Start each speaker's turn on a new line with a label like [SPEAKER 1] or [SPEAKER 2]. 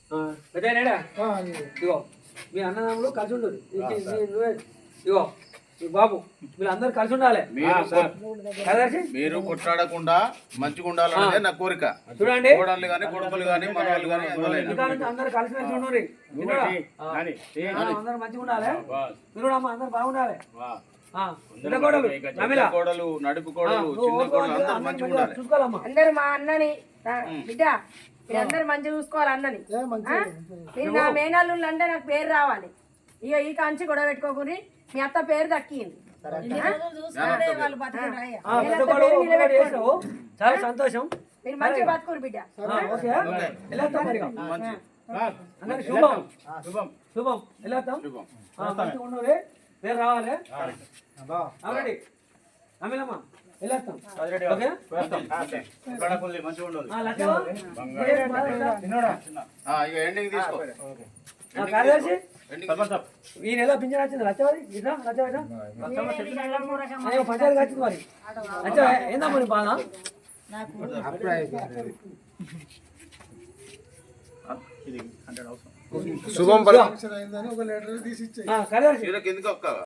[SPEAKER 1] పెద్దయినాడా ఇగో మీ అన్నదమ్ములు కలిసి ఉండరు నువ్వే ఇగో ఈ బాబు వీళ్ళందరూ కలిసి ఉండాలి.
[SPEAKER 2] మీరు కొట్లాడకుండా మంచిగా ఉండాలనేది నా కోరిక.
[SPEAKER 1] చూడండి
[SPEAKER 2] కోడళ్ళు కానీ కొడుకులు కానీ మనవాళ్ళు కానీ
[SPEAKER 1] అందరు కలిసి మెలిసి ఉండండి. అందరు మంచిగా ఉండాలి. మీరు అమ్మ అందరు బాగుండాలి.
[SPEAKER 2] కోడలు నడుపు కోడలు చిన్న కోడలు అందరూ మంచిగా ఉండాలి.
[SPEAKER 1] చూసుకోవాలమ్మా
[SPEAKER 3] అందరు మా అన్నని బిడ్డ మీరందరూ మంచిగా చూసుకోవాలి అన్నని. మీరు నా మేనల్లుళ్ళు అంటే నాకు పేరు రావాలి. ఇక ఈ కాంచి గొడవ పెట్టుకోకూరి మీ అత్త పేరు దక్కింది.
[SPEAKER 1] చాలా సంతోషం.
[SPEAKER 3] మీరు మంచిగా బతుకురు బిడ్డ.
[SPEAKER 1] శుభం శుభం వెళ్ళొద్దాం. పేరు రావాలి. అమిలమ్మా వెళ్ళొస్తాం.
[SPEAKER 2] ఎండింగ్ తీసుకో.
[SPEAKER 1] కార్యదర్శి ఈ నెల పింఛన్ వచ్చింది. లచ్చవారి పంచాయతీ వచ్చింది మరి. లచ్చ ఏందా మరి బాధ?
[SPEAKER 2] శుభం
[SPEAKER 1] కార్యదర్శి
[SPEAKER 2] ఎందుకు